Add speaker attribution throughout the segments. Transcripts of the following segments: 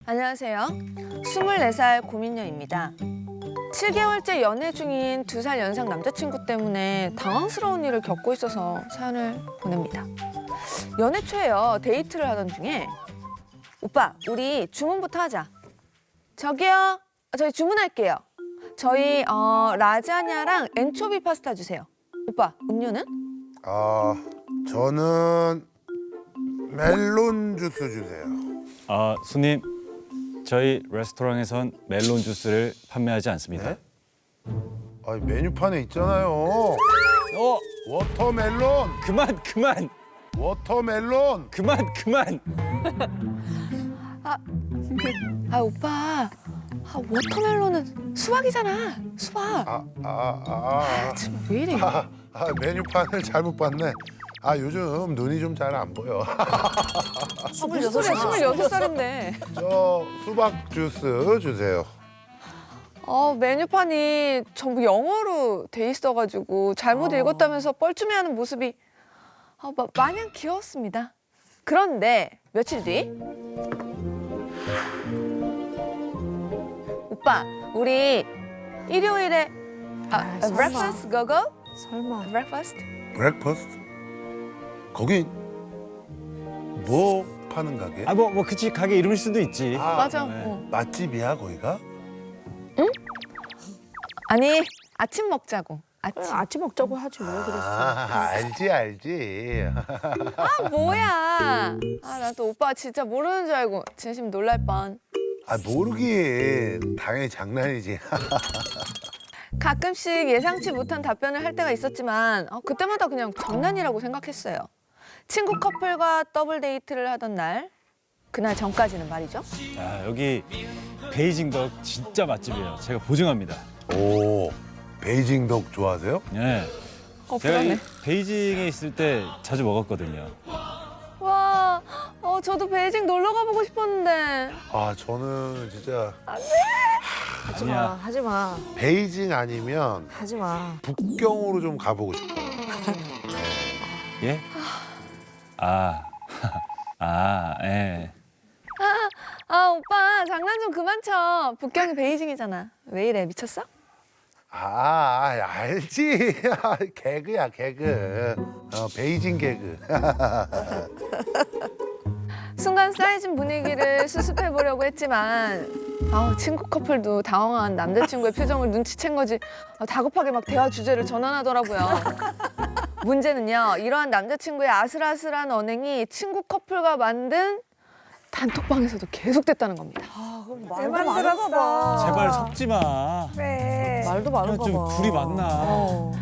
Speaker 1: 안녕하세요. 24살 고민녀입니다. 7개월째 연애 중인 2살 연상 남자친구 때문에 당황스러운 일을 겪고 있어서 사연을 보냅니다. 연애 초에요. 데이트를 하던 중에 오빠, 우리 주문부터 하자. 저기요. 저희 주문할게요. 저희 라자냐랑 엔초비 파스타 주세요. 오빠, 음료는?
Speaker 2: 저는 멜론 주스 주세요.
Speaker 3: 손님, 저희 레스토랑에선 멜론 주스를 판매하지 않습니다.
Speaker 2: 네? 메뉴판에 있잖아요. 워터멜론,
Speaker 3: 그만!
Speaker 2: 워터멜론.
Speaker 1: 오빠. 워터멜론은 수박이잖아. 수박. 참, 왜 이래?
Speaker 2: 메뉴판을 잘못 봤네. 요즘 눈이 좀 잘 안 보여.
Speaker 1: 26살인데.
Speaker 2: 저 수박 주스 주세요.
Speaker 1: 메뉴판이 전부 영어로 돼 있어가지고 잘못 읽었다면서 뻘쭘해하는 모습이 마냥 귀여웠습니다. 그런데 며칠 뒤 오빠, 우리 일요일에 breakfast go?
Speaker 4: 설마.
Speaker 1: breakfast?
Speaker 2: 브렉퍼스트? 거기 뭐 파는 가게?
Speaker 3: 그치, 가게 이름일 수도 있지.
Speaker 1: 맞아.
Speaker 3: 네.
Speaker 2: 맛집이야 거기가?
Speaker 1: 아니, 아침 먹자고. 아침.
Speaker 4: 아침 먹자고 하지 왜 그랬어?
Speaker 2: 알지.
Speaker 1: 뭐야. 나 또 오빠 진짜 모르는 줄 알고 진심 놀랄 뻔.
Speaker 2: 모르긴 당연히 장난이지.
Speaker 1: 가끔씩 예상치 못한 답변을 할 때가 있었지만 그때마다 그냥 장난이라고 생각했어요. 친구 커플과 더블 데이트를 하던 날, 그날 전까지는 말이죠.
Speaker 3: 여기 베이징 덕 진짜 맛집이에요. 제가 보증합니다.
Speaker 2: 오, 베이징 덕 좋아하세요?
Speaker 3: 네. 제가
Speaker 1: 그러네.
Speaker 3: 베이징에 있을 때 자주 먹었거든요.
Speaker 1: 와, 저도 베이징 놀러 가보고 싶었는데.
Speaker 2: 저는 진짜
Speaker 3: 아니야.
Speaker 4: 하지 마.
Speaker 2: 베이징 아니면
Speaker 4: 하지 마.
Speaker 2: 북경으로 좀 가보고 싶어요.
Speaker 3: 예? 예.
Speaker 1: 오빠 장난 좀 그만 쳐. 북경이 베이징이잖아. 왜 이래, 미쳤어?
Speaker 2: 알지. 개그야, 개그. 베이징 개그.
Speaker 1: 순간 쌓여진 분위기를 수습해보려고 했지만 친구 커플도 당황한 남자친구의 표정을 눈치챈 거지 다급하게 막 대화 주제를 전환하더라고요. 문제는요, 이러한 남자친구의 아슬아슬한 언행이 친구 커플과 만든 단톡방에서도 계속됐다는 겁니다.
Speaker 4: 그럼 말도 많은가 봐.
Speaker 3: 제발 섞지 마.
Speaker 4: 그래. 말도 많은가
Speaker 3: 좀
Speaker 4: 봐.
Speaker 3: 둘이 만나.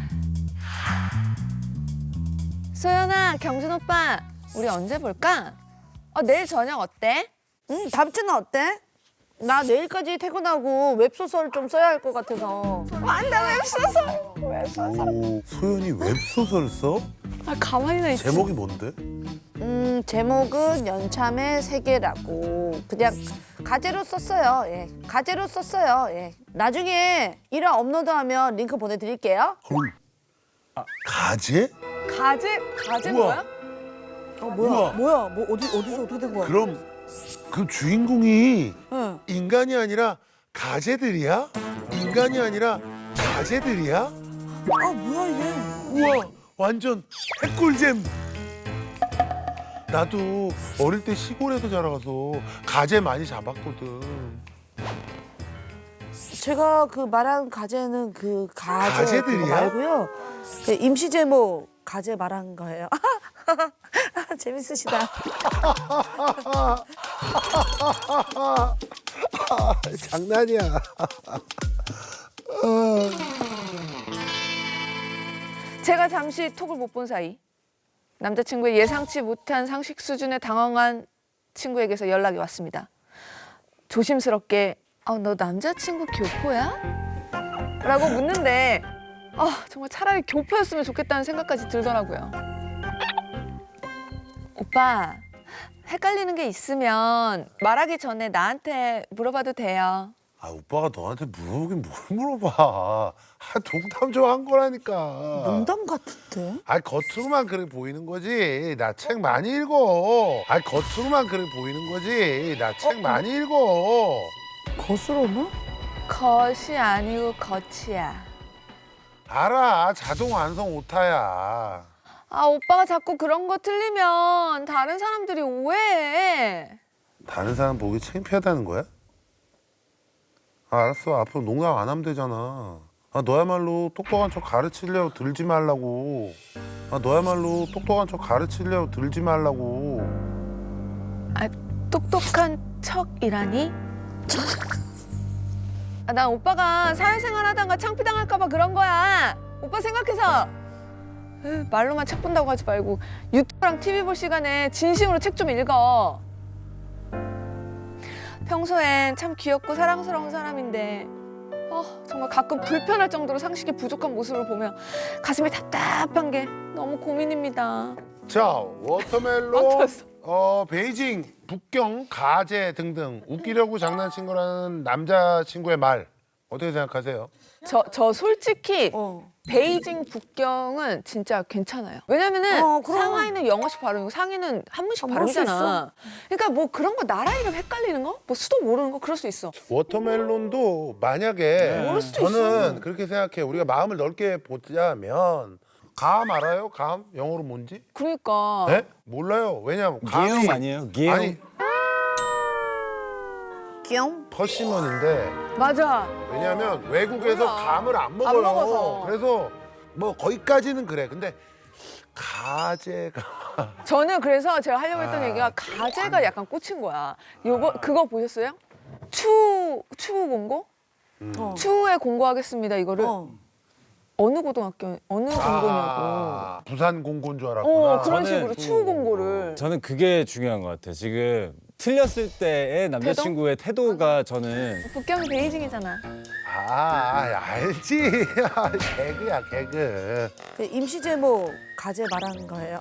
Speaker 1: 소연아, 경준 오빠, 우리 언제 볼까? 내일 저녁 어때?
Speaker 4: 다음 주는 어때? 나 내일까지 퇴근하고 웹소설 좀 써야 할 것 같아서.
Speaker 1: 안돼, 웹소설.
Speaker 2: 오, 소연이 웹소설 써?
Speaker 1: 가만히나 있지.
Speaker 2: 제목이 뭔데?
Speaker 4: 제목은 연참의 세계라고 그냥 가제로 썼어요. 예. 가제로 썼어요. 예. 나중에 1화 업로드하면 링크 보내드릴게요.
Speaker 2: 헐. 가제?
Speaker 1: 가제
Speaker 2: 우와.
Speaker 1: 뭐야?
Speaker 4: 뭐야? 뭐 어디서 어떻게 된 거야?
Speaker 2: 그럼 그 주인공이
Speaker 4: 응.
Speaker 2: 인간이 아니라 가재들이야? 인간이 아니라 가재들이야?
Speaker 4: 뭐야 이게?
Speaker 2: 우와, 완전 핵꿀잼. 나도 어릴 때 시골에서 자라가서 가재 많이 잡았거든.
Speaker 4: 제가 그 말한 가제는 그 가제 그거
Speaker 2: 가제들이야?
Speaker 4: 말고요. 그 임시 제목 가제 말한 거예요. 재밌으시다.
Speaker 2: 장난이야.
Speaker 1: 제가 잠시 톡을 못 본 사이 남자친구의 예상치 못한 상식 수준에 당황한 친구에게서 연락이 왔습니다. 조심스럽게 너 남자친구 교포야? 라고 묻는데 정말 차라리 교포였으면 좋겠다는 생각까지 들더라고요. 오빠, 헷갈리는 게 있으면 말하기 전에 나한테 물어봐도 돼요.
Speaker 2: 아 오빠가 너한테 물어보긴 뭘 물어봐. 아 농담 좀 한 거라니까.
Speaker 4: 농담 같은데?
Speaker 2: 아 겉으로만 그래 보이는 거지. 나 책 많이 읽어. 아 겉으로만 그래 보이는 거지. 나 책 많이 읽어.
Speaker 4: 거스러워?
Speaker 1: 겉이 아니고 겉이야.
Speaker 2: 알아. 자동 완성 오타야.
Speaker 1: 아, 오빠가 자꾸 그런 거 틀리면 다른 사람들이 오해해.
Speaker 2: 다른 사람 보기 창피하다는 거야? 아, 알았어. 앞으로 농담 안 하면 되잖아. 아, 너야말로 똑똑한 척 가르치려고 들지 말라고. 아, 너야말로 똑똑한 척 가르치려고 들지 말라고.
Speaker 1: 아, 똑똑한 척이라니? 아, 난 오빠가 사회생활 하다가 창피당할까 봐 그런 거야. 오빠 생각해서. 말로만 책 본다고 하지 말고 유튜브랑 TV 볼 시간에 진심으로 책 좀 읽어. 평소엔 참 귀엽고 사랑스러운 사람인데 정말 가끔 불편할 정도로 상식이 부족한 모습을 보면 가슴이 답답한 게 너무 고민입니다.
Speaker 2: 자, 워터멜론,
Speaker 1: 어떠셨어?
Speaker 2: 베이징, 북경, 가재 등등 웃기려고 장난친 거라는 남자친구의 말 어떻게 생각하세요?
Speaker 1: 저 솔직히
Speaker 4: 어.
Speaker 1: 베이징 북경은 진짜 괜찮아요. 왜냐면은
Speaker 4: 그럼.
Speaker 1: 상하이는 영어식 발음이고 상해는 한문식
Speaker 4: 한문식
Speaker 1: 발음이잖아. 그러니까 뭐 그런 거 나라 이름 헷갈리는 거? 뭐 수도 모르는 거 그럴 수 있어.
Speaker 2: 워터멜론도 만약에
Speaker 1: 모를 수도
Speaker 2: 저는
Speaker 1: 있어.
Speaker 2: 그렇게 생각해. 우리가 마음을 넓게 보자면 감 알아요? 감? 영어로 뭔지?
Speaker 1: 그러니까
Speaker 2: 네? 몰라요. 왜냐면 감이
Speaker 3: 기욤 아니에요? 기욤.
Speaker 2: 아니
Speaker 4: 귀염?
Speaker 2: 퍼시먼인데
Speaker 1: 맞아.
Speaker 2: 왜냐하면 외국에서
Speaker 1: 몰라.
Speaker 2: 감을 안 먹어요.
Speaker 1: 먹어서.
Speaker 2: 그래서 뭐 거기까지는 그래. 근데 가재가
Speaker 1: 저는 그래서 제가 하려고 했던
Speaker 2: 아,
Speaker 1: 얘기가 가재가 약간 꽂힌 거야. 요거 그거 보셨어요? 추후 공고?
Speaker 4: 어.
Speaker 1: 추후에 공고하겠습니다. 이거를
Speaker 4: 어.
Speaker 1: 어느 고등학교 어느 공고냐고.
Speaker 2: 부산 공고인 줄 알았구나.
Speaker 1: 그런
Speaker 3: 저는-
Speaker 1: 식으로 추후 공고를.
Speaker 3: 저는 그게 중요한 것 같아요. 지금 틀렸을 때의 남자친구의 태도가 저는
Speaker 1: 북경이 베이징이잖아.
Speaker 2: 알지. 개그야 개그.
Speaker 4: 그 임시 제목 가재 말하는 거예요.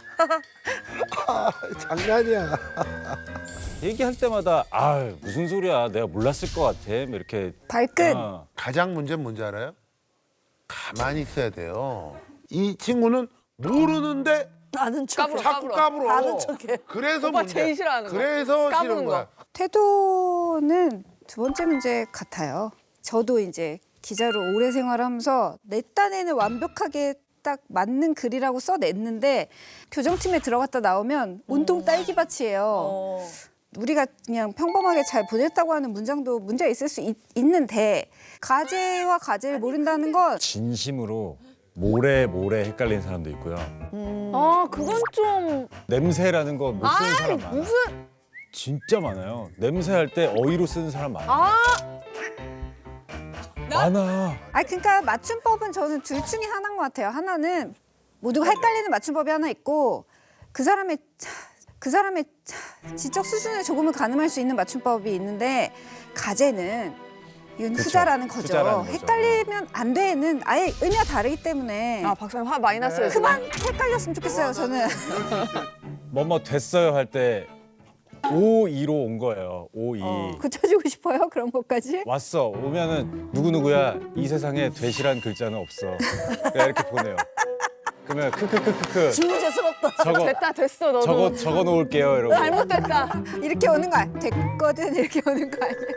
Speaker 2: 장난이야.
Speaker 3: 얘기할 때마다 아 무슨 소리야 내가 몰랐을 것 같아 뭐 이렇게
Speaker 4: 발끝.
Speaker 2: 가장 문제는 뭔지 알아요? 가만히 있어야 돼요. 이 친구는 모르는데
Speaker 4: 아는 척.
Speaker 1: 까불어.
Speaker 2: 자꾸 까불어.
Speaker 4: 아는 척해.
Speaker 2: 그래서
Speaker 1: 오빠
Speaker 2: 문제.
Speaker 1: 제일 싫어하는 거.
Speaker 2: 그래서
Speaker 1: 까부는
Speaker 2: 싫은 거야.
Speaker 5: 태도는 두 번째 문제 같아요. 저도 이제 기자로 오래 생활하면서 내 딴에는 완벽하게 딱 맞는 글이라고 써냈는데 교정팀에 들어갔다 나오면 온통 딸기밭이에요.
Speaker 4: 어.
Speaker 5: 우리가 그냥 평범하게 잘 보냈다고 하는 문장도 문제가 있을 수 있는데 가재와 가재를 모른다는 건
Speaker 3: 진심으로 모래 헷갈리는 사람도 있고요.
Speaker 1: 그건 좀.
Speaker 3: 냄새라는 거 못 쓰는 사람 많아요.
Speaker 1: 무슨.
Speaker 3: 진짜 많아요. 냄새할 때 어휘로 쓰는 사람 많아요. 많아.
Speaker 5: 그러니까 맞춤법은 저는 둘 중에 하나인 것 같아요. 하나는 모두가 헷갈리는 맞춤법이 하나 있고 그 사람의 지적 수준을 조금은 가늠할 수 있는 맞춤법이 있는데 가재는 이건
Speaker 3: 그쵸.
Speaker 5: 후자라는 거죠.
Speaker 3: 후자라는 거죠.
Speaker 5: 헷갈리면 안 돼는 아예 의미가 다르기 때문에
Speaker 1: 박사님 화 많이 났어요. 지금.
Speaker 5: 그만 헷갈렸으면 좋겠어요. 저는.
Speaker 3: 뭐뭐 됐어요 할 때 52로 온 거예요. 52.
Speaker 5: 고쳐주고 싶어요. 그런 것까지.
Speaker 3: 왔어. 오면은 누구누구야 이 세상에 되시란 글자는 없어. 그냥 이렇게 보내요. 그러면 크크크크크
Speaker 4: 주제스럽다.
Speaker 1: 됐어 너도.
Speaker 3: 적어 놓을게요 이러고.
Speaker 1: 잘못됐다.
Speaker 5: 이렇게 오는 거 아니야. 됐거든 이렇게 오는 거 아니야.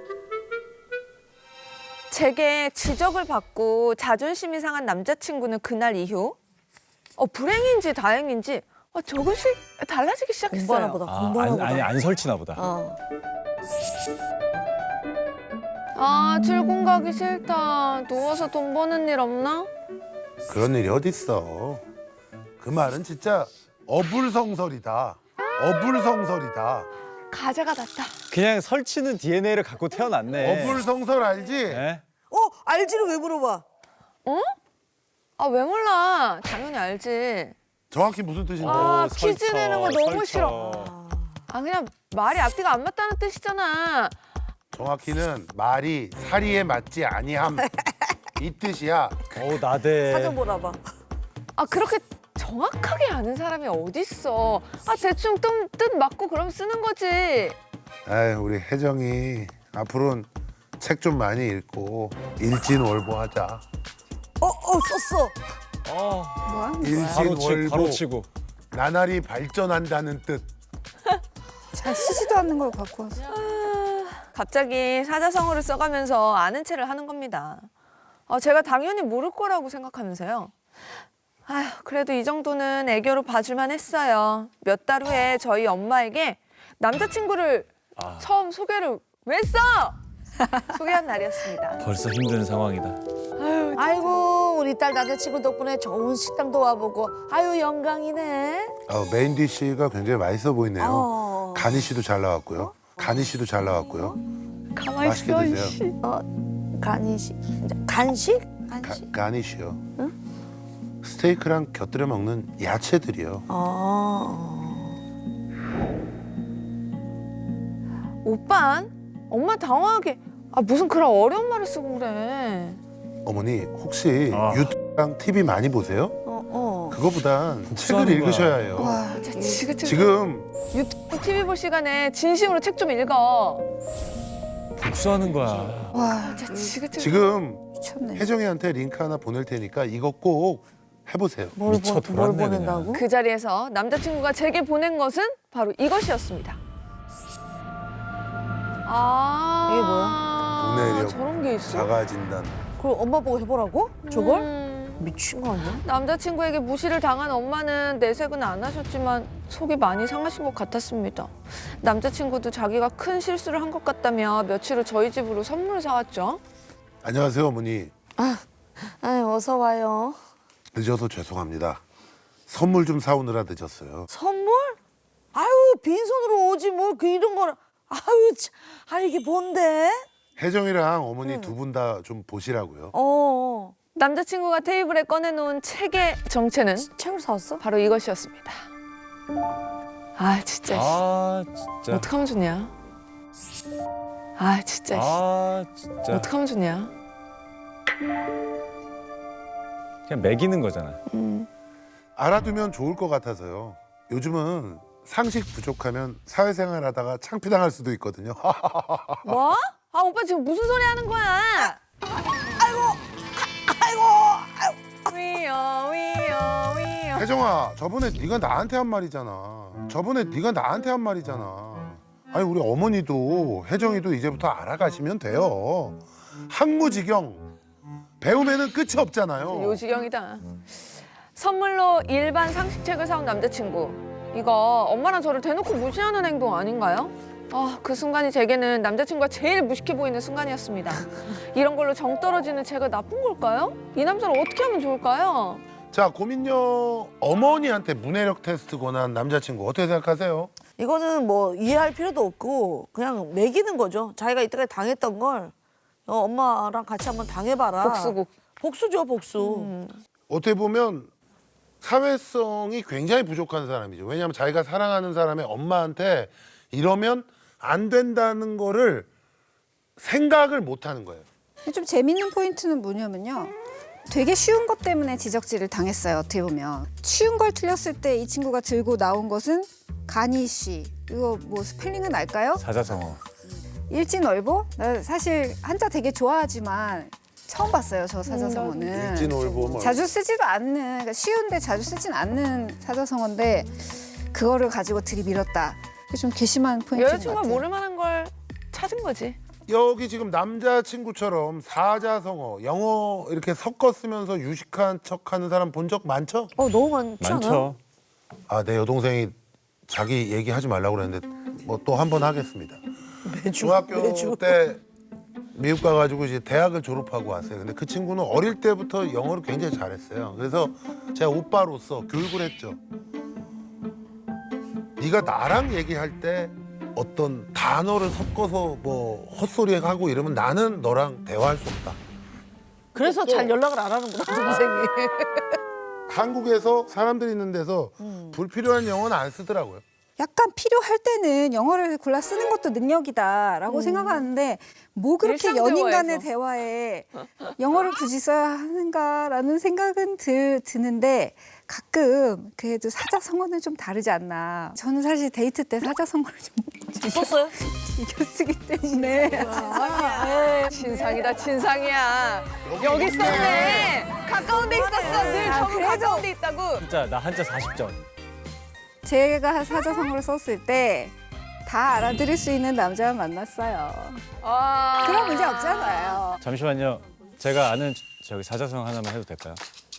Speaker 1: 제게 지적을 받고 자존심이 상한 남자친구는 그날 이후 불행인지 다행인지 조금씩 달라지기 시작했어요.
Speaker 4: 공부하나 보다. 공부하나 보다.
Speaker 3: 안 설치나 보다.
Speaker 1: 출근 가기 싫다. 누워서 돈 버는 일 없나?
Speaker 2: 그런 일이 어딨어. 그 말은 진짜 어불성설이다. 어불성설이다.
Speaker 1: 가재가 낫다.
Speaker 3: 그냥 설치는 DNA를 갖고 태어났네.
Speaker 2: 어불성설 알지?
Speaker 3: 네?
Speaker 4: 알지를 왜 물어봐?
Speaker 1: 왜 몰라. 당연히 알지.
Speaker 2: 정확히 무슨 뜻인데?
Speaker 1: 퀴즈 내는 거 너무
Speaker 3: 설쳐.
Speaker 1: 싫어. 그냥 말이 앞뒤가 안 맞다는 뜻이잖아.
Speaker 2: 정확히는 말이 사리에 맞지 아니함. 이 뜻이야.
Speaker 3: 나대.
Speaker 4: 사전 보라봐.
Speaker 1: 그렇게 정확하게 아는 사람이 어딨어. 대충 뜻 맞고 그럼 쓰는 거지.
Speaker 2: 아이, 우리 혜정이 앞으로는 책 좀 많이 읽고 일진월보하자.
Speaker 4: 썼어.
Speaker 5: 뭐 하는 거야?
Speaker 2: 일진월보.
Speaker 3: 바로 치고.
Speaker 2: 나날이 발전한다는 뜻.
Speaker 5: 잘 쓰지도 않는 걸 갖고 와서.
Speaker 1: 갑자기 사자성어를 써가면서 아는 체를 하는 겁니다. 제가 당연히 모를 거라고 생각하면서요. 아휴, 그래도 이 정도는 애교로 봐줄만 했어요. 몇 달 후에 저희 엄마에게 남자친구를 처음 소개를 왜 써? 소개한 날이었습니다.
Speaker 3: 벌써 힘든 상황이다.
Speaker 4: 아이고 우리 딸 남자친구 덕분에 좋은 식당도 와보고 아유 영광이네.
Speaker 2: 메인 디쉬가 굉장히 맛있어 보이네요.
Speaker 4: 어.
Speaker 2: 가니쉬도 잘 나왔고요. 가니쉬도 잘 나왔고요.
Speaker 1: 가만히
Speaker 2: 맛있게
Speaker 1: 있어,
Speaker 2: 드세요.
Speaker 1: 씨.
Speaker 4: 간식? 간식?
Speaker 2: 가니쉬요. 스테이크랑 곁들여 먹는 야채들이요.
Speaker 1: 오빤? 엄마 당황하게 무슨 그런 어려운 말을 쓰고 그래.
Speaker 2: 어머니 혹시
Speaker 3: 아.
Speaker 2: 유튜브랑 TV 많이 보세요? 그거보단 책을
Speaker 3: 복수하는 거야.
Speaker 2: 읽으셔야 해요.
Speaker 5: 와,
Speaker 2: 지금
Speaker 1: 유튜브 TV 볼 시간에 진심으로 책 좀 읽어.
Speaker 3: 복수하는 거야.
Speaker 5: 와,
Speaker 2: 지금
Speaker 5: 미쳤네.
Speaker 2: 혜정이한테 링크 하나 보낼 테니까 이거 꼭 해보세요.
Speaker 4: 뭘
Speaker 3: 미쳐 돌았네,
Speaker 4: 보낸다고?
Speaker 1: 그 자리에서 남자친구가 제게 보낸 것은 바로 이것이었습니다.
Speaker 4: 이게 뭐야?
Speaker 2: 문해력
Speaker 1: 저런 게 있어?
Speaker 2: 자가 진단.
Speaker 4: 그럼 엄마 보고 해보라고? 저걸?
Speaker 1: 음.
Speaker 4: 미친 거 아니야?
Speaker 1: 남자친구에게 무시를 당한 엄마는 내색은 안 하셨지만 속이 많이 상하신 것 같았습니다. 남자친구도 자기가 큰 실수를 한 것 같다며 며칠 후 저희 집으로 선물을 사왔죠.
Speaker 2: 안녕하세요 어머니.
Speaker 4: 아유 어서 와요.
Speaker 2: 늦어서 죄송합니다. 선물 좀 사오느라 늦었어요.
Speaker 4: 선물? 아유 빈손으로 오지 뭘 그 이런 거를. 아유 참. 이게 뭔데?
Speaker 2: 혜정이랑 어머니 두 분 다 좀 보시라고요.
Speaker 1: 남자친구가 테이블에 꺼내놓은 책의 정체는
Speaker 4: 책을 사왔어?
Speaker 1: 바로 이것이었습니다. 진짜.
Speaker 3: 진짜.
Speaker 1: 어떡하면 좋냐? 진짜.
Speaker 3: 진짜.
Speaker 1: 어떡하면 좋냐?
Speaker 3: 그냥 매기는 거잖아.
Speaker 2: 알아두면 좋을 것 같아서요. 요즘은 상식 부족하면 사회생활 하다가 창피당할 수도 있거든요.
Speaker 1: 뭐? 오빠 지금 무슨 소리 하는 거야? 위요.
Speaker 2: 혜정아, 저번에 네가 나한테 한 말이잖아. 아니 우리 어머니도 혜정이도 이제부터 알아가시면 돼요. 학무지경 배움에는 끝이 없잖아요.
Speaker 1: 요지경이다. 선물로 일반 상식책을 사온 남자친구. 이거 엄마랑 저를 대놓고 무시하는 행동 아닌가요? 그 순간이 제게는 남자친구가 제일 무식해 보이는 순간이었습니다. 이런 걸로 정 떨어지는 제가 나쁜 걸까요? 이 남자를 어떻게 하면 좋을까요?
Speaker 2: 자, 고민녀 어머니한테 문해력 테스트 권한 남자친구 어떻게 생각하세요?
Speaker 4: 이거는 뭐 이해할 필요도 없고 그냥 매기는 거죠. 자기가 이때까지 당했던 걸 엄마랑 같이 한번 당해봐라.
Speaker 1: 복수국.
Speaker 4: 복수죠 복수.
Speaker 2: 어떻게 보면 사회성이 굉장히 부족한 사람이죠. 왜냐하면 자기가 사랑하는 사람의 엄마한테 이러면 안 된다는 거를 생각을 못 하는 거예요.
Speaker 5: 좀 재밌는 포인트는 뭐냐면요. 되게 쉬운 것 때문에 지적질을 당했어요. 어떻게 보면. 쉬운 걸 틀렸을 때 이 친구가 들고 나온 것은 가니쉬. 이거 뭐 스펠링은 알까요?
Speaker 3: 사자성어.
Speaker 5: 일진월보? 나 사실 한자 되게 좋아하지만 처음 봤어요. 저 사자성어는.
Speaker 2: 일진월보 뭐.
Speaker 5: 자주 쓰지도 않는, 그러니까 쉬운데 자주 쓰진 않는 사자성어인데 그거를 가지고 들이밀었다. 그게 좀 괘씸한 포인트인 것
Speaker 1: 여자친구가
Speaker 5: 같아요.
Speaker 1: 모를 만한 걸 찾은 거지.
Speaker 2: 여기 지금 남자친구처럼 사자성어, 영어 이렇게 섞어 쓰면서 유식한 척하는 사람 본 적 많죠?
Speaker 4: 너무 많지 않아요?
Speaker 3: 많죠.
Speaker 2: 내 여동생이 자기 얘기하지 말라고 그랬는데 뭐 또 한 번 하겠습니다. 중학교 때 미국 가가지고 이제 대학을 졸업하고 왔어요. 근데 그 친구는 어릴 때부터 영어를 굉장히 잘했어요. 그래서 제가 오빠로서 교육을 했죠. 네가 나랑 얘기할 때 어떤 단어를 섞어서 뭐 헛소리하고 이러면 나는 너랑 대화할 수 없다.
Speaker 4: 그래서 잘 연락을 안 하는구나 동생이.
Speaker 2: 한국에서 사람들이 있는 데서 불필요한 영어는 안 쓰더라고요.
Speaker 5: 약간 필요할 때는 영어를 골라 쓰는 것도 능력이다라고 생각하는데 뭐 그렇게
Speaker 1: 일상
Speaker 5: 연인 간의
Speaker 1: 대화에서.
Speaker 5: 대화에 영어를 굳이 써야 하는가라는 생각은 드는데 가끔 그래도 사자성어는 좀 다르지 않나. 저는 사실 데이트 때 사자성어를 좀
Speaker 4: 썼어요?
Speaker 5: 즐겨 쓰기 때문에
Speaker 1: 진상이다 진상이야. 여기 있었네. 가까운 데 있었어. 늘 저는
Speaker 5: 그래도-
Speaker 1: 가까운 데 있다고.
Speaker 3: 진짜 나 한자 40점.
Speaker 5: 제가 사자성어를 썼을 때 다 알아들을 수 있는 남자만 만났어요.
Speaker 1: 아.
Speaker 5: 그런 문제 없잖아요.
Speaker 3: 잠시만요. 제가 아는 저기 사자성 하나만 해도 될까요?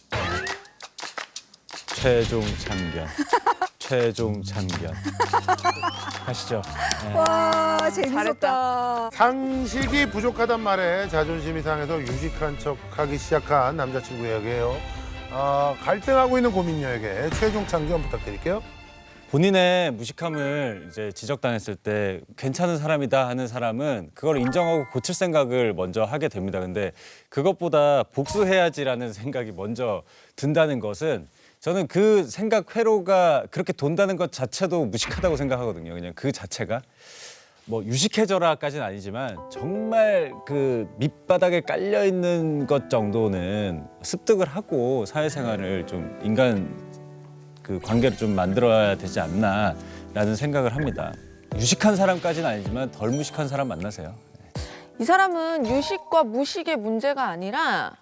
Speaker 3: 최종 참견. 최종 참견. 하시죠. 네.
Speaker 5: 와 재밌었다.
Speaker 2: 상식이 부족하단 말에 자존심이 상해서 유식한 척하기 시작한 남자친구 이야기예요. 갈등하고 있는 고민녀에게 최종 참견 부탁드릴게요.
Speaker 3: 본인의 무식함을 이제 지적당했을 때 괜찮은 사람이다 하는 사람은 그걸 인정하고 고칠 생각을 먼저 하게 됩니다. 근데 그것보다 복수해야지라는 생각이 먼저 든다는 것은 저는 그 생각 회로가 그렇게 돈다는 것 자체도 무식하다고 생각하거든요. 그냥 그 자체가 뭐 유식해져라까지는 아니지만 정말 그 밑바닥에 깔려 있는 것 정도는 습득을 하고 사회생활을 좀 인간 그 관계를 좀 만들어야 되지 않나라는 생각을 합니다. 유식한 사람까지는 아니지만 덜 무식한 사람 만나세요.
Speaker 1: 이 사람은 유식과 무식의 문제가 아니라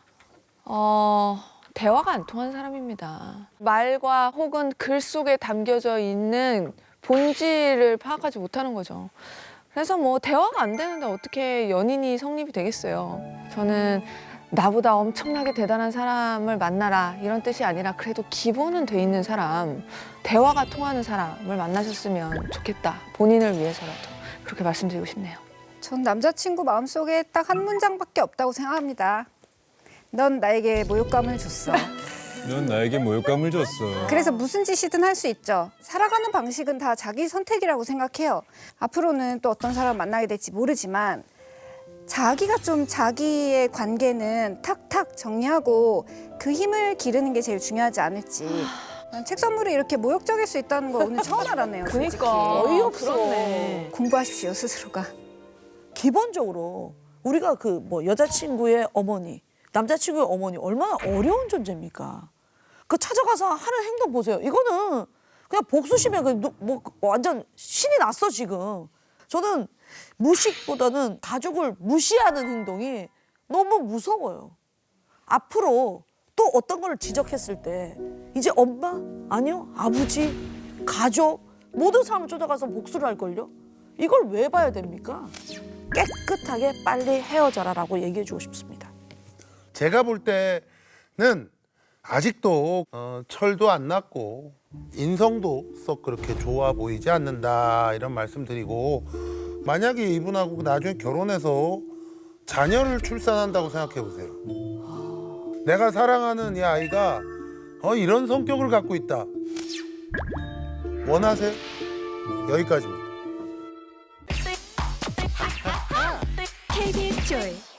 Speaker 1: 대화가 안 통하는 사람입니다. 말과 혹은 글 속에 담겨져 있는 본질을 파악하지 못하는 거죠. 그래서 뭐 대화가 안 되는데 어떻게 연인이 성립이 되겠어요. 저는 나보다 엄청나게 대단한 사람을 만나라 이런 뜻이 아니라 그래도 기본은 돼 있는 사람, 대화가 통하는 사람을 만나셨으면 좋겠다. 본인을 위해서라도 그렇게 말씀드리고 싶네요.
Speaker 5: 전 남자친구 마음속에 딱 한 문장밖에 없다고 생각합니다. 넌 나에게 모욕감을 줬어.
Speaker 3: 넌 나에게 모욕감을 줬어.
Speaker 5: 그래서 무슨 짓이든 할 수 있죠. 살아가는 방식은 다 자기 선택이라고 생각해요. 앞으로는 또 어떤 사람 만나게 될지 모르지만 자기가 좀 자기의 관계는 탁탁 정리하고 그 힘을 기르는 게 제일 중요하지 않을지. 난 책 선물이 이렇게 모욕적일 수 있다는 거 오늘 처음 알았네요. 솔직히.
Speaker 1: 그러니까
Speaker 4: 어이없어.
Speaker 1: 그렇네.
Speaker 5: 공부하십시오 스스로가.
Speaker 4: 기본적으로 우리가 그 뭐 여자친구의 어머니, 남자친구의 어머니 얼마나 어려운 존재입니까? 그 찾아가서 하는 행동 보세요. 이거는 그냥 복수심에 뭐 완전 신이 났어 지금. 저는 무식보다는 가족을 무시하는 행동이 너무 무서워요. 앞으로 또 어떤 걸 지적했을 때 이제 엄마, 아니요, 아버지, 가족 모든 사람을 쫓아가서 복수를 할걸요? 이걸 왜 봐야 됩니까? 깨끗하게 빨리 헤어져라라고 얘기해주고 싶습니다.
Speaker 2: 제가 볼 때는 아직도 철도 안 났고 인성도 썩 그렇게 좋아 보이지 않는다 이런 말씀드리고 만약에 이분하고 나중에 결혼해서 자녀를 출산한다고 생각해 보세요. 내가 사랑하는 이 아이가 이런 성격을 갖고 있다. 원하세요? 여기까지입니다.
Speaker 6: KBS 조이